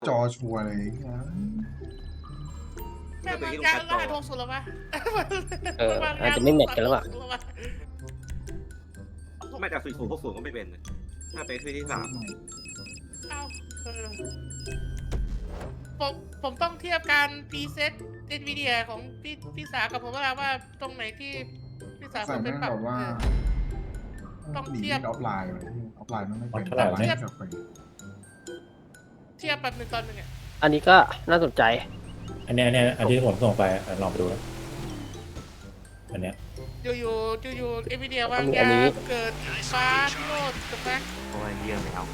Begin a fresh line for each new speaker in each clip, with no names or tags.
จอชัวร์เลยนะ
แม่งมันยันล่าทงสุดแล้วปะ
อาจจะไม่แมทกันแล้วอ่ะ
ไม่แต่4060ก็ไม่เป็นนะถ้าเป็นคืนที่3
เอ้าผมต้องเทียบการพรีเซตเอ็นวีเดียของพี่สากับผมว่าตรงไหนที่พี่สา
ใส่
เป็
แม่
น
ง
ปรับ
แบบว่า
ต้อง
หนี
เทียบ
ออฟไลน์เลยออฟไลน์มันไม่เป็น
เท่าไหร่เนี่ย
เทียบแบบหนึ่งตอนหนึ่งอ่ะ
อันนี้ก็น่าสนใจ
อันที่ผมส่งไปลองไปดูนะอันเนี้ย
อยู่เอ็นวีเดียวว่าง
อั
ยาน
นี้
เกิดฟ้าพิโรธถูกไหม
โอ้ยเยี่ยมไม่เอากู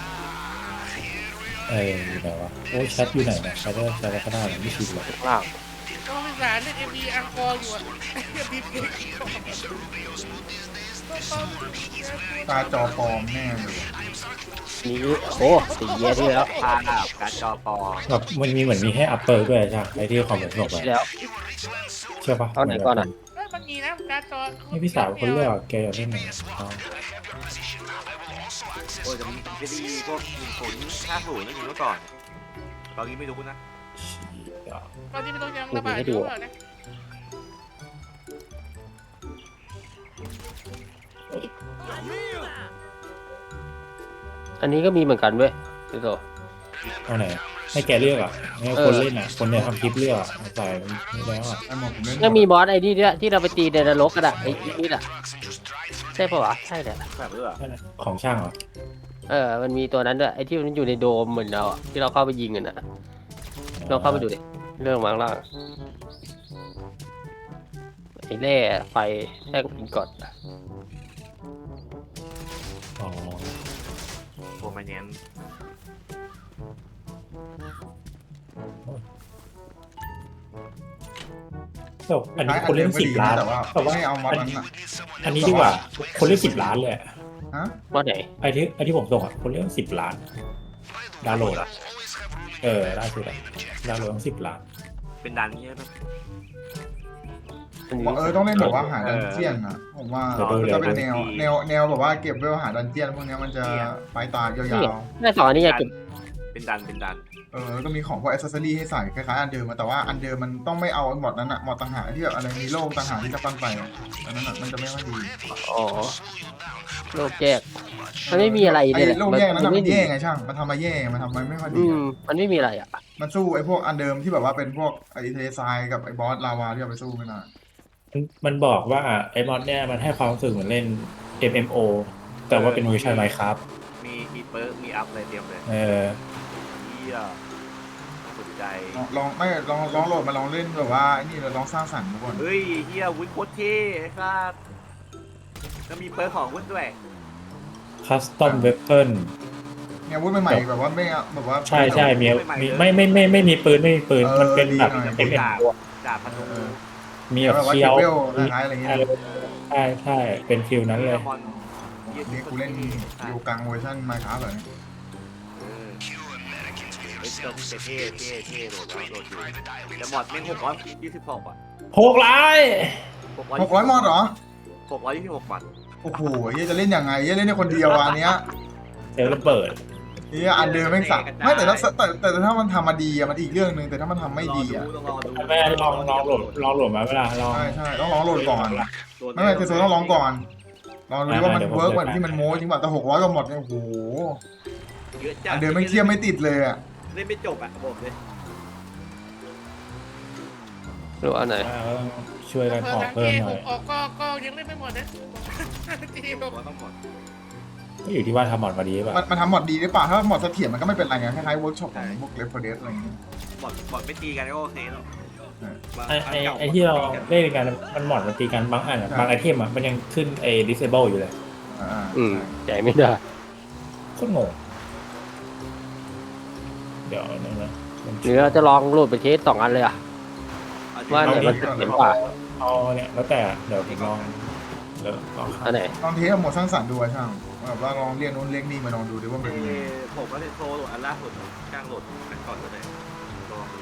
อยู่ไหนวะโอ้แชทอยู่ไหนเนี่ยแชทได้ข้างหน้าไม่ชินเลย
ข้างล่าง
ก็พี่สาเล่นเอ็มวีอังกอร์อยู่อ่ะเอ็มวีเพลง
ตาจอปลอมแน่เลย
นี้โอ้4 year ที่แล้ว
พากับการ์ดจอปอ
แบบมันมีเหมือนมีให้อัปเปอร์ด้วยใช่ไหมไอ้ที่ความผมส่งไป
ที่แล้ว
เชื่อปะ
เอาไหนก่อนอ่ะ
มันมีนะการ์ดจอ
นี่พี่สาวคนเลือกแกอยากเล่นไหนเอา
โอ้ยจะมีจะดีพวก50นั่นอยู่เมื่อก่อนตอนนี้ไม่รู้นะ
เชี่ย
ตอนนี้ไม่ต้องยังระบายอยู่หรอนะ
อันนี้ก็มีเหมือนกันเว้ยพี่โต
เอาไหนให้แกเลือกอ่ะให้คนเล่นอ่ะคนเนี่ยทำคลิปเลือกอะใส่ไม่แล้วอ่ะ
ไอ้หมอผมเล่น
ยังมีบอสไอ้นี่ด้วยที่เราไปตีในนรกกันอ่ะไอ้นี่อ่ะใช่ปะวะใช่แหละ
แบบเลือก
ของช่างเหรอ
มันมีตัวนั้นด้วยไอ้ที่มันอยู่ในโดมเหมือนเราอ่ะที่เราเข้าไปยิงกันอ่ะลองเข้าไปดูดิเรื่องวางล่างไอ้แร่ไฟแท่งอินกอด
อ๋อ
โปรมาเนียน
แต่อันนี้คนเล่น10 ล้าน
แต่ว่า
แต่ว่า
ไม่เอามอดนั้นอ่ะ
อันนี้ดีกว่าคนเล่น10 ล้านเลยอะ
ฮะ
บอสไหน
ไอ้ที่ผมส่งอ่ะคนเล่น10 ล้านดาวน์โหลดอ่ะได้สุดอ่ะดาวน์โหลดทั้ง10 ล้าน
เป็นดันนี่ใช่ไหม
อันนี้
ต้องเล่นแบบว่าหาดันเจียนอ่ะผมว่าจะเป็นแนวแบบว่าเก็บเวลหาดันเจียนพวกนี้มันจะไปตายาว
แม่สองอันนี้อยากเก็บ
เป็นดัน
ๆก็มีของพวกแอสเซสซอรี่ให้ใส่คล้ายๆอันเดิมแต่ว่าอันเดิมมันต้องไม่เอาหมดนั้นอ่ะหมดต่างหากที่แบบอะไรมีโล่ต่างหากที่จะปั้นไปอันนั้นมันจะไม่ค่อยดี
อ๋อโลกแยกมันไม่มีอะไร
ไอ้
เนี่ยแหละ
โล่แย่งนั้นมัน
ไม่
แย่ไงช่างมันทำมาแย่มันทำมาไม่ค่อยดี
มันไม่มีอะไรอ่ะ
มันสู้ไอ้พวกอันเดิมที่แบบว่าเป็นพวกไอ้เทซายกับไอ้บอสลาวาที่เอาไปสู้ไม่นาน
มันบอกว่าไอ้มอดเนี่ยมันให้ความรู้สึกเหมือนเล่น MMO แต่ว่าเป็นเวอร์ชัน Minecraft
มีเปิร์กมีอัพอะไรเตรียมเลย
เออ
เยี่ยสนใจ
ลองไม่ลองโหลดมาลองเล่นแบบว่าไอ้นี่ลองสร้างสรรค์ทุกคน
เฮ้ยเฮียวุ้นโคตรเท่ครับก็มีเปิร์กของวุ้นด้วย
Custom Weapon
เนี่ยวุ้นใหม่ๆแบบว่าไม่แบบว่า
ใช่มีไม่มีปืนมันเป็นแบบ
เป็น
MMO
ดาบพนม
มีแบบ
แบบว่า
เคีย
เก็บ
ว
เวลคล้ายๆอะไรเงี้ย
ใช่เป็นฟิลนั้นเลย
มอน
นี่กูเล่นอยู่กลางเวอร์ชันไมค์ครับเลย
เท่โหลดแล้วโหลดอยู่แต่มอดแม่ง626อ่ะ
6 ล้าน
600 มอดเหรอ
626บาท
โอ้โหเฮียจะเล่นยังไงเฮียเล่นในคนเดียวอันเนี้ย
เดี๋ยวระเบิด
เฮียอันเดิมแม่งสักไม่แต่ถ้ามันทำมาดีอะมันอีกเรื่องนึงแต่ถ้ามันทำไม่ดีอะ
ต้องรอดู
แม่ลองโหลดมาเวลาลอง
ใช่ต้องลองโหลดก่อนไม่เทสโซต้องลองก่อนลองดูว่ามันเวิร์กเหมือนที่มันโม้จริงป่ะแต่600ก็หมดเนี่ยโอ้โห
เยอะจัด
อันเดิมไม่เทียบไม่ติดเลยอะ
เล่นไม่จบอ่ะบอกเลย
หรืออันไหน
ช่วยกันออกเพิ่มหน่อย
ออกก็ยังเล่นไม่หมดนะทีม
ตัวต้องหมด
ก็อยู่ที่ว่าทำหมดมาดีป่ะ
มันทำหมดดีหรือเปล่าถ้าหมดเสถียรมันก็ไม่เป็นไรไงคล้ายๆเวิร์กช็อปของพวกเลฟเฟอร์เดสอะไรอย่างเงี้ย
บอดไม่ตีกันก็โอเคแล้ว
ไอ้ที่เราเล่นกันมันหมดมันตีกันบางอันบางไอเทมมันยังขึ้นไอ้ disable อยู่เลย
ใจไม่ได้
โคตรงงเดี๋ยวนะ
หรือเราจะลองโหลดไปเทส2 อันเลยอ่ะว่าไหนมันจะเห็นกว่า
เอาเนี่ยแล้วแต่เดี๋ยวผมลอง
อันไหน
ลองเทสหมดสร้างสรรค์ดูช่างแบบว่าลองเรียกนู้นเรียกนี่มาลองดูดิว่ามันเป็นยังไง
ผมก็เลยโทรโหลดอันล่าสุดกลางโหลดกันก่อนก็ได้ลองดู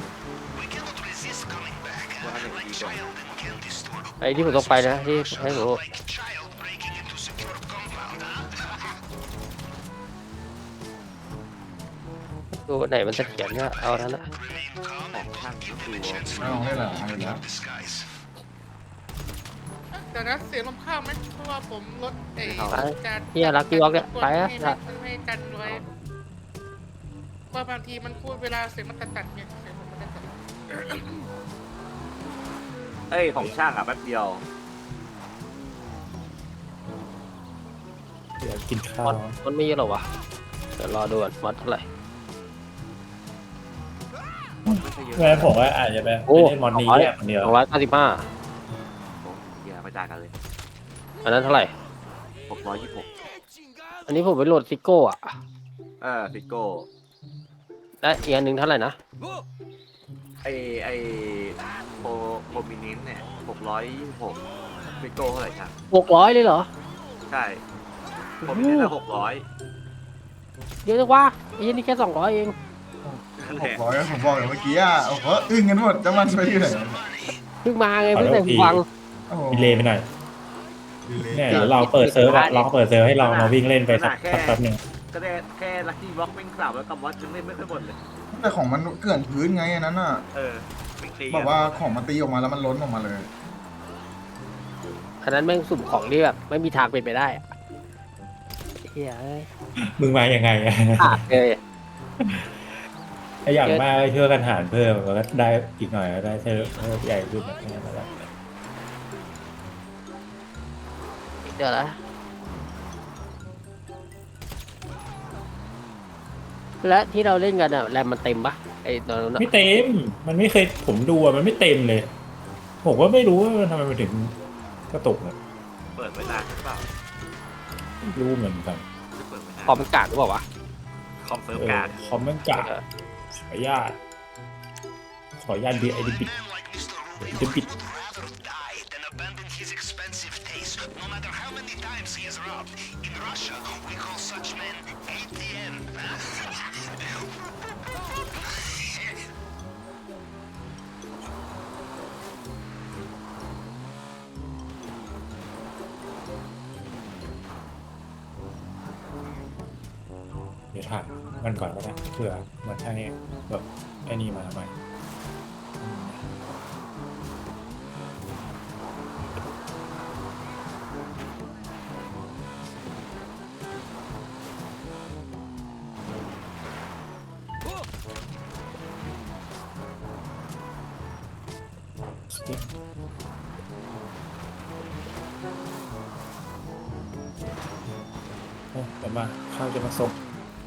ว่าอันไหนดีกว่า
ไอ้ที่ผมต้องไปนะที่ให้ผมดูไหนมันเสถียรก็เอานั้นแหละ
ของช่างดู
ไม่ลองเล่นหลายๆแล้ว
เดี๋ยวนะเสียงลมข้าวไหมเพราะว่าผมลดไอ้การ
เฮียรักกี้วอล์กเนี่ยไปอะ
ให้กันไว้ว่าบางทีมันพูดเวลาเสียงมันตัดเนี่ยเสียงผมมันตัด
เอ้ยของช่างอ่ะแป๊บเดียว
เดี๋ยวกินข้า
มอ
ว
ดมันไม่เยอะหรอวะเดี๋ยวรอดูก่อนมอดเท่าไหร่
ไม่ใช่เยอะ
แม่ผมว่าอาจจะไป
โอ้
เล่นมอนนี้แยกคนเดียว
295
โอ้เหี้ยไม่ต่างกันเลย
อันนั้นเท่าไหร่
626
อันนี้ผมไปโหลดซิโก้อะ
ฟิโก้
และอีกอันหนึ่งเท่าไหร่นะ
ไอโปรมินินเนี่ย626ฟิโก้เท่าไหร่ช่าง
600เลยเหรอ
ใช่โปรมินินละ600
เยอะจังวะไอ้เหี้ยนี่แค่200เอง
600ผมบอกอย่างเมื่อกี้โอ้โหอึ้งกันหมดจะมันไปที่ไหน
เพิ่งมาไงเพิ่งใส่หูฟัง
โอ้โห
มีเลไปหน่อยเนี่ยเดี๋ยวเราเปิดเซิร์ฟอะลองเปิดเซิร์ฟให้เรามาวิ่งเล่นไปสักแป๊บหนึ่ง
ก็ได้แค่ลัคกี้บล็อกเป็นกลับแล้วกับวัดยังเล่นไม่ค่อยหมดเลย
แต่ของมันเกลื่อนพื้นไงอันนั้นอ่ะ
ไม่ตี
แบบว่าของมันตีออกมาแล้วมันล้นออกมาเลย
อันนั้นแม่งสุ่มของที่แบบไม่มีทางเป็นไปได้อะเฮียเอ้ย
มึงมายังไงอะ
ขาดเลย
ถ้าอย่างมากก็ช่วยกันหารเพิ่มแล้วก็ได้อีกหน่อยก็ได้เซิร์ฟใหญ่ขึ้นแบบนี้แล้ว
เดี๋ยวนะและที่เราเล่นกันอะแรมมันเต็มปะไอ้ตอนนั้นอะ
ไม่เต็ม มันไม่เคยผมดูอะมันไม่เต็มเลย ผมก็ไม่รู้ว่ามันทำไมมันถึงกระตุกเนี่ย
เปิดไว้นานหรือเปล่า
ไม่รู้เหมือนกัน
เปิดไว้นาน
คอมมันกากหรือเปล่าวะ
คอมเซิร์ฟการ์ด
คอมเมนต์กาขออนุญาตดีไอดิบิด เดี๋ยวถามมันก่อนก็ได้เผื่อมันให้แบบไอ้นี่มาใหม่เดี๋ยวมาข้าวจะมาส่ง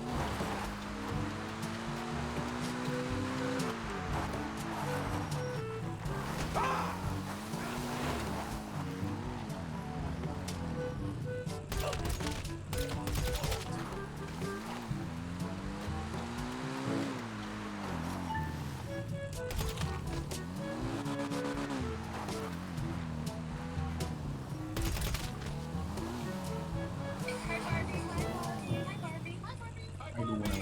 ให้ดูเลย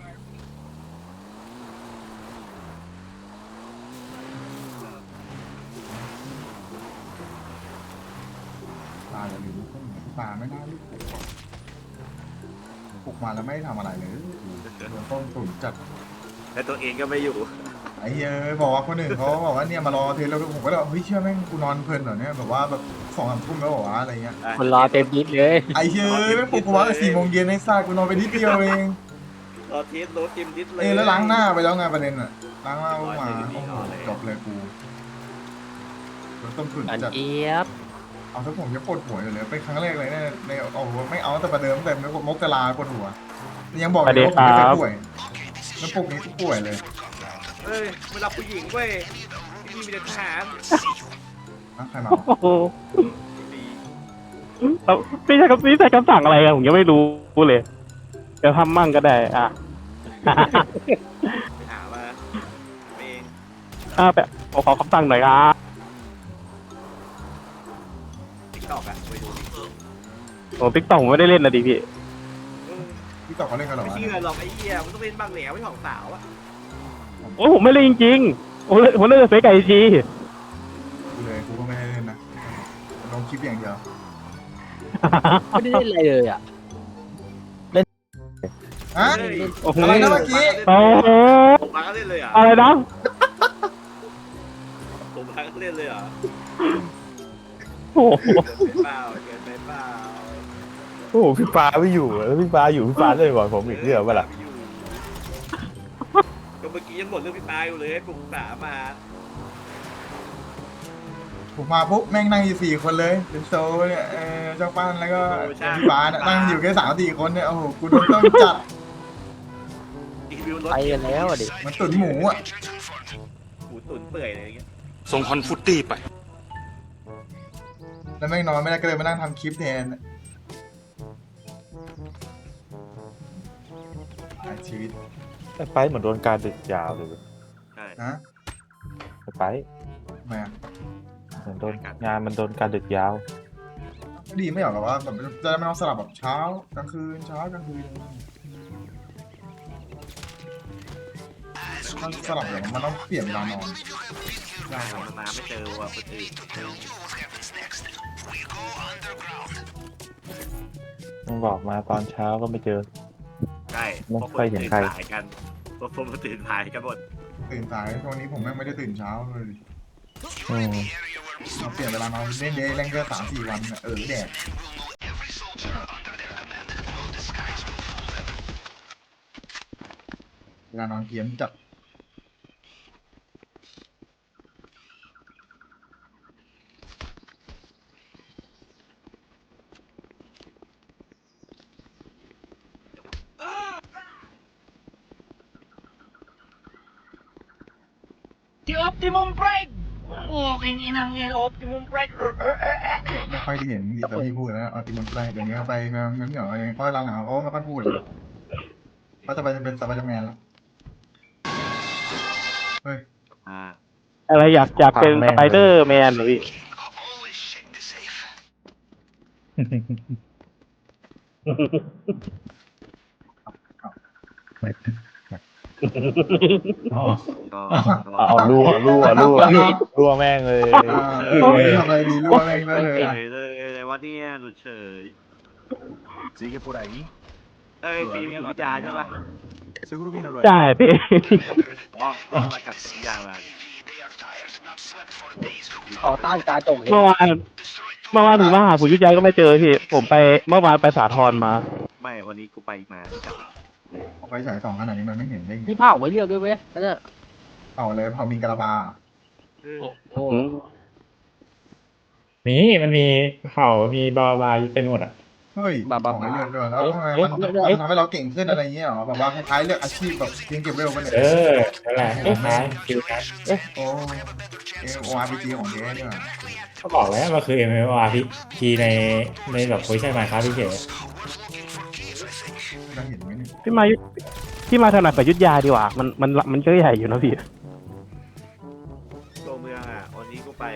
ปลาอย่าลืมลูกต้นปลาไม่น่าลูกปลุกมาแล้วไม่ทำอะไรเลยโดนต้มตุ๋นจัด
แต่ตัวเองก็ไม่อยู่
ไอ้เหี้ยบอกว่าคนอื่นเขาบอกว่าเนี่ยมารอเทสแล้วผมก็เลยเฮ้ยเชื่อแม่งกูนอนเพลินเหรอเนี่ยแบบว่าแบบ2-3 ทุ่มแล้วบอกว่าอะไรเงี้ย
คนรอเต็มยิดเลย
ไอ้เหี้ยแม่งปลุกกูว่า4 โมงเย็นไอ้ซ่ากูนอนไปนิดเดียวเอง
รอเทสรถจิมดิสเลย
แล้วล้างหน้าไปแล้วไงประเด็นอะล้างหน้าลงมาโอ้โหจบเลยกูโดนต้มตุ๋น
อัน
จัด
เจี๊ยบ
เอาถ้าผมจะปวดหัวอยู่เลยเป็นครั้งแรกเลยเนี่ยในเอาไม่เอาแต่ประเดิมแต่มกราปวดหัวยังบอกเลยว่าผมไม่เคยป่วยแล้วปลุกนี้กูป่วยเลย
เอ้ยไม่รับผู้หญิงเว้ยที่นี่มีแต่ทหาร
ใครมา
โอ้โหไม่ใช่คำสั่งอะไรอะผมยังไม่รู้เลยเดี๋ยวทำมั่งก็ได้อ่ะ
ไปหามาเอง
แบบขอคำสั่งหน่อยครับ
ติ๊กตอกอะไปดูดิ
โอ้ติ๊กต็อกผมไม่ได้เล่นนะดิพี่
พี่ต่อเขาเล่นกันเหรอ
ไม่
วะ
เชื่อหรอกไอ้เหี้ยมันต้องเป็นบางแหลวไม่ของสาวอะ
โอ้ผมไม่เล่นจริงๆผมเล่นแต่เฟซไก่จี
กูเลยกูก็ไม่ได้เล่นนะลงคลิปอย่างเดียว
ไม่ได้เล่นอะไรเลยอ่ะ
ฮะ
เฮ้ย
โอ้โห
อะไรนะเมื่อกี้
โอ้โห
ผมมาก็เล่นเลยเหรอ่ะ
อะไรนะ
ผมมาก็เล่นเลยเหรอ่ะ
โอ้โห
เกินไปเปล่า
โอ้โหพี่ปาไม่อยู่แล้วพี่ปาอยู่พี่ปาเล่นก่อนผมอีกเรื่องเปะล่า
ก็เมื่อกี้ยังบ่นเรื่องพี่ปาอยู่เลยให้ปรึกษามา
ผมมาปุ๊บแม่งนั่งอยู่4 คนเลยเป็นโซเนี่ยเจ้าปั้นแล้วก็พี่ฟ้าเนี่ยนั่งอยู่แค่3-4 คนเนี่ยโอ้โหกูโดนต้องจัด
รีวิวรถ
ไปกันแล้วอะดิ
มันตุ๋นหมูอ่ะ
หมูตุ๋นเปื่อยอะไรอย่างเงี้ย
ส่งคอนฟุตตี้ไป
แล้วแม่งนอนไม่ได้ก็เลยมานั่งทำคลิปแทนชีวิต
ไอ้ไปเหมือนโดนการดึกยาวเลย
ใช่
นะ
ไอ้ไป
ทำไมอ่ะ
เหมือนโดนงานมันโดนการดึกยาว
ก็ดีไม่หรอกหรอว่าแบบจะได้ไม่ต้องสลับแบบเช้ากลางคืนเช้ากลางคืนมันสลับอย่างมันต้องเปลี่ยนเวลานอน
ใช่มันมาไม่เจอว่ะคนอื่น
มันบอกมาตอนเช้าก็ไม่เจอ
ใช่
ไม่ค่อยเห็นใคร
สายกันพวกผมตื่นสายกันหมด
ตื่นสายช่วงนี้ผมแม่งไม่ได้ตื่นเช้าเลย
อืม
เราเปลี่ยนเวลานอนเล่นเดย์เล่นแค่3-4 วันน่ะแดดเวลานอนเพี้ยนจัด ไม่ค่อยได้เห็นแต่พี่พูดแล้วเอาติมันไปเดี๋ยวนี้ไปงั้นเหรอเองเพราะหลังๆเขาไม่ค่อยพูดเลยเขาจะไปเป็นสไปเดอร์แมนแล้วเฮ้ย
อ่า
อะไรอยากเป็นสไปเดอร์แมนเหรอพี่
อ๋อ
ก็
เอารั่วแม่งเลย
ทำอะไรดีรู้อะไรบ้างเลย
เฉยเลยว่าเนี่ยหลุดเฉย
Sigue por ahí.
เอ้ยปีมีวิจารณ์ใช่ปะ
Seguro viene lo
ใช่พี่
อ๋อกับวิจารณ์มา
ต่อต้านการจง
เมื่อวานถึงมาหาผู้ยุทธยายก็ไม่เจอพี่ ผมไปเมื่อวานไปสาทรมา
ไม่วันนี้กูไปมาจับ
เอาไปฉาย2 ขนาดนี้มันไม่เห็นได้ไง
พี่เผาไว้เรียกด้วยเว้ยนั่นน่ะ
เอาเลยพอมีกระบา
โอ้
มันมีเผ่ามีบาบาเป็นหมดอ่ะ
เฮ้ยของเรื่องด้วยแล้วทำไมมันทำให้เราเก่งขึ้นอะไรเงี้ยหรอแบบว่าคล้ายๆเลือกอาชีพแบบเพียงเก็บเวลกันเนี่ย
นั่นแหละคล้ายๆฟิวกัน
โอ้ORPG ของเจ๊เนี่ย
เขาบอกแล้วมันคือ MMORPG ในแบบโพสชั่นมาครับพี่เฉย
ได้เห็นไหมเนี่ย
พี่มาถนัดกับยุทธยาดีกว่า มันก็ใหญ่อยู่นะพี่
ตัวเมืองอ่ะวันนี้กูไป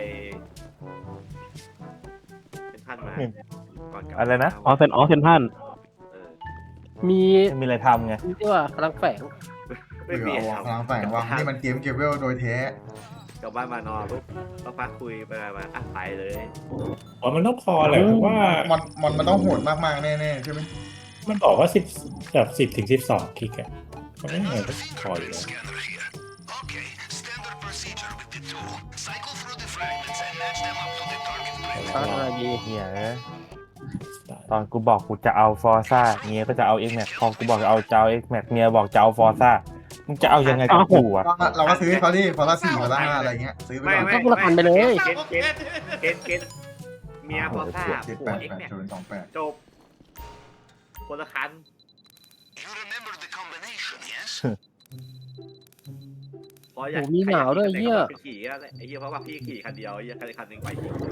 เป็นท่านมาก่อนกลับ
อะไรนะ
อ๋อเซนทัน
มี
มีอะไรทำไง
ที่ว่ากำลังแฝง
ไม่มี
พลังแฝงว่านี่มันเกมเก็บเวลโดยแท้
กลับบ้านมานอนปุ๊บก็พักคุยไปมาอ่ะไปเลย
อ๋อมันต้องพอแหละเพราะว่า
มันต้องโหดมากๆแน่ๆใช่ไหม
มันบอกว่า10 ถึง 12คลิกอะมันไม่เหมือนก็พออยู่แล้ว
อะไรดี
เนี่ยนะตอนกูบอกกูจะเอาฟอร์ซ่าเมียก็จะเอา X Max พอกูบอกจะเอาX Max เมียบอกจะเอาฟอร์ซ่ามึงจะเอายังไงกับกูอ่ะ
เราก็ซื้อเขาดิพอละ4พอละ5อะไรเงี้ยซื้อไปก่อน
ก็คนละพันไปเลย
เกณฑ์เมียพอทราบผัวเอ็กเนี่ย
788
จบคนละคันพออยาก
โหมีหนาวด้วยเหี้ย
ขี่ก็ไอ้เหี้ยเพราะว่าพี่ขี่คันเดียวไอ้เหี้ยคันหนึ่งไปจริง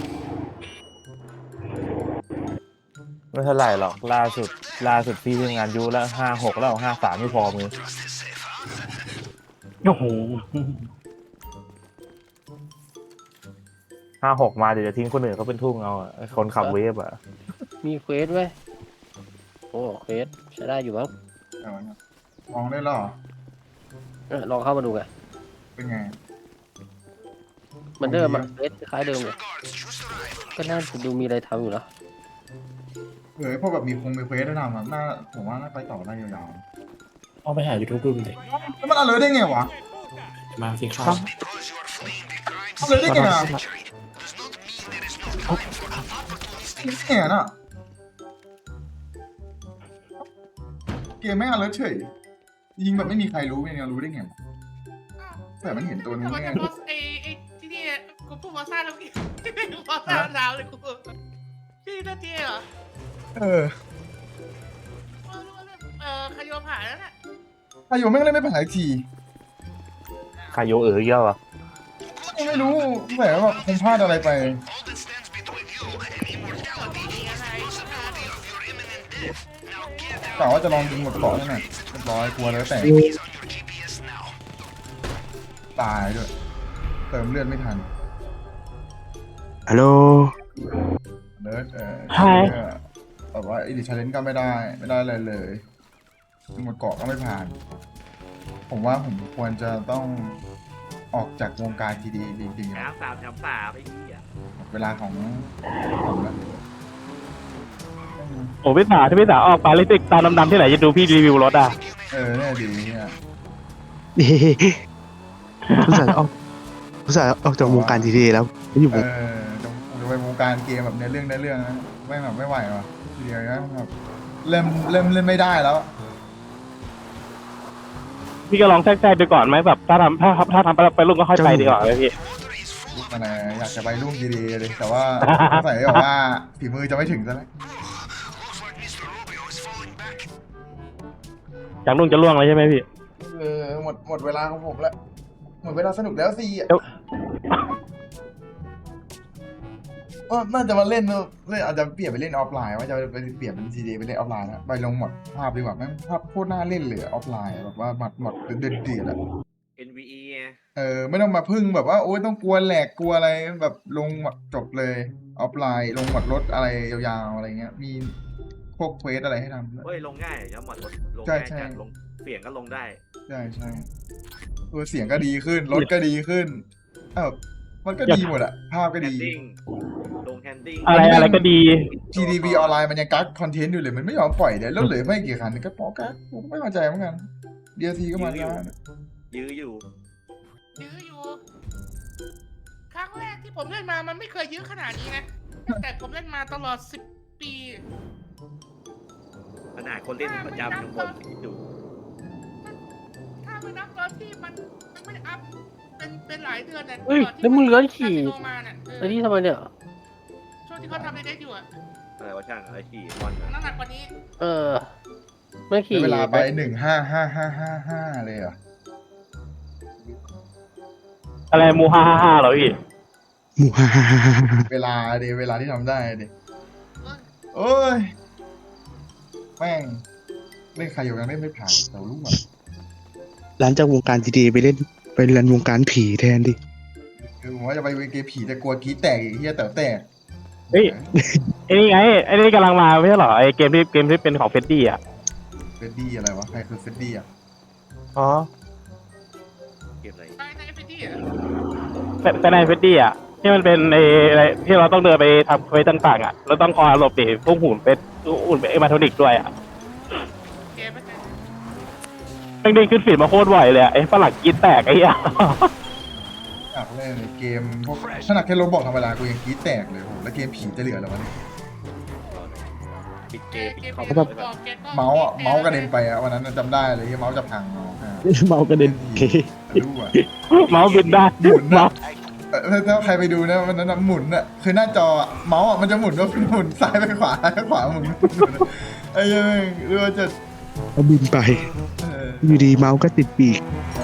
ไม่เท่าไหร่หรอกล่าสุดพี่ทำงานยูแล้ว56แล้ว53ไม่พอมือ
โอ้โห
56มาเดี๋ยวจะทิ้งคนอื่นเขาเป็นทุ่งเอาอ่ะไอ้คนขับเวฟอ่ะ
มีเควสเว้ยโอ้เควสใช้ได้อยู่มั้ง
มองได้หรอ
ลองเข้ามาดูไง
เป็นไง
เหมือนเดิมอะเควสคล้ายเดิมเลยก็น่าจะดูมีอะไรทำอยู่นะ
พวกแบบมีเควสได้ทำอ่ะน่าผมว่าน่าไปต่อได้ยาว
เอาไปหา YouTube ดูเลย
ๆแล้วมันอะไรได้ไงวะ
มาสิครับ
อะไรได้ไงอ่ะเนี่ยน่ะเกมไม่อะไรเฉยยิงแบบไม่มีใครรู้ไม่มีใครรู้ได้ไงแต่มันเห็นตัวนู้น
แต่ว่า
ไง
จะบอสไอ้ที่นี่กูพูดบอสซ่าแล้วพี่บอสซ่าดาวเลยกูพี่นาทีเหรอขยมหายแล้วน่ะ
อายุแม่งเล่นไม่ผ่านอีกที
คายโยเยอะวะ
ไม่รู้แต่ว่าคงพลาดอะไรไป กะว่าจะลองยิงหมดเกาะนั่นน่ะเรียบร้อยกลัวแล้วแต่ตายด้วยเติมเลือดไม่ทัน
ฮัลโหล
เลิศ
ใช่
แต่ว่าอีดิชาเลนก็ไม่ได้อะไรเลยหมดเกาะก็ไม่ผ่าน ผมว่าผมควรจะต้องออกจากวงการทีดีจริงๆ
แถ
อะ
มสามแถมสามไอ้เหี้ย
หมดเวลาของผมแล้ว
โอ้พี่สาถ้าพี่สาออกไปเลยติดตาดำๆที่ไหนจะดูพี่รีวิวรถอ่ะ
เนี่ยดีเนี่ย
ผู้สาวออกจากวงการทีดีแล้วไม่อยู่วง
จะไปวงการเกมแบบเรื่องนะไม่แบบไม่ไหวว่ะทีเดียวนะแบบเริ่มเล่นไม่ได้แล้ว
พี่ก็ลองแทรกๆดูก่อนไหมแบบถ้าทำไปรุ่งก็ค่อยไปดีกว่าเลยพี่
ลูกมันอยากจะไปรุ่งดีๆเลยแต่ว่าสงสัยแบบว่าฝีมือจะไม่ถึงซะแล้ว
จากรุ่งจะล่วงเลยใช่ไหมพี่
หมดเวลาของผมแล้วหมดเวลาสนุกแล้วสิ
เดี๋ยว
ก็น่าจะมาเล่นอาจจะเปลี่ยนไปเล่นออฟไลน์ว่าจะไปเปลี่ยนเป็นซีดีไปเล่นออฟไลน์นะไปลงหมดภาพดีกว่าแม่งภาพโคตรน่าเล่นเลยออฟไลน์แบบว่าหมดเดือดอะ
NVE ไง
ไม่ต้องมาพึ่งแบบว่าโอ๊ยต้องกลัวแหลกกลัวอะไรแบบลงหมดจบเลยออฟไลน์ลงหมดรถอะไรยาวๆอะไรเงี้ยมีพวกเควสอะไรให้ทำด้วย
เฮ้ยลงง่ายแล้วหมดรถลง
ใช่
ง่าย
ใช่
จัดลงเปลี่ยนก็ลงได้
ใช่เสียงก็ดีขึ้นรถก็ดีขึ้นมันก็ดีหมดอะภาพก็
แฮ
ดี
นดิ้งลงแฮนดิ้ง
อะไรก็ดี
GDB ออนไลน์มันยังกักคอนเทนต์อยู่เลยมันไม่ยอมปล่อยเดี๋ยวแล้วเหลือไม่กี่คันก็ปอกักผมไม่เข้าใจเหมือนกัน DLC ก็มาช้า
ยื้ออยู่
ยื้ออยู่ ครั้งแรกที่ผมเล่นมามันไม่เคยยื้อขนาดนี้นะตั้งแต่ผมเล่นมาตลอด10 ปี
ขนาดคนเล่นประจำยังบ่นอยู่
ถ้าไม่นับตอนที่มันไม่ได้อัพเป็นหลายเดือนน่ะ
เฮ้ย
ก่อนที่
แล้วมึงเลื้อนขี่
ลงมาน่ะ
ไอ้นี่ทำไมเนี่ย
ช่วงที่เขาทำในเด็กอยู่อะ
อะไรวะช่างอะไรขี่บอล
น้ำหนักกว่านี้
ไม่ขี่
เวลาไป15555เลยเหรอ
อะไรมู555เหรอพี่
หมู่ฮ่าฮ่าฮ่าฮ่าฮ่า
เวลาที่ทำได้ดิโอ้ยแม่งเล่นใครอยู่ยังเล่นไม่ผ่านแต่รู้อ่ะ
หลังจากวงการทีดีไปเรียนวงการผีแทนดิ
คือผมว่าจะไปเกมผีจะกลัวกรีดแตกอีกเฮียแต่แตก
เฮ้ย ไอ้นี่ไงไอ้นี่กำลังมาไม่ใช่เหรอไอ้เกมที่เป็นของเฟดดี้อ่ะ
เฟดดี้อะไรวะใครคือเฟดดี้อ่ะ
อ๋อ
เกมอะไร
ในเอฟพีอะ
แต่ในเฟดดี้อ่ะที่มันเป็นไอ้อะไรที่เราต้องเดินไปทำเควสต่างๆอ่ะเราต้องคอยหลบดิพวกหุ่นเป็นเอมาโทนิกด้วยอ่ะ
เกมไม่ใช่
แม่งเด้งขึ้นฟีดมาโคตรบ่อยเลยอะไอ้ฝรั่งกรีดแตกไอ้เหี้ย
อยากเล่นเกมพวกขนาดแค่โรบอกธรรมดากูยังกรีดแตกเลยโหแล้วเกมผีจะเหลือเหรอวะเนี่ย
ปิดเกมปิด
เกม
คอม
ที่
เลย
บอกเกมก็
เมาส์กระเด็นไปอะวันนั้นจำได้เลยที่เมาส์จะพัง
เมากระเด็นเก
ดูอ่ะ
เมาส์บินได้
หมุน
เมา
นะ
ส์
ถ้าใครไปดูนะวันนั้นหมุนอะคือหน้าจอเมาส์มันจะหมุนว่าหมุนซ้ายไปขวาซ้ายไปขวาหมุนไอ้ยังรู้ว่าจะ
เขาบินไป อยู่ดีเมาส์ก็ติดปีก
เอ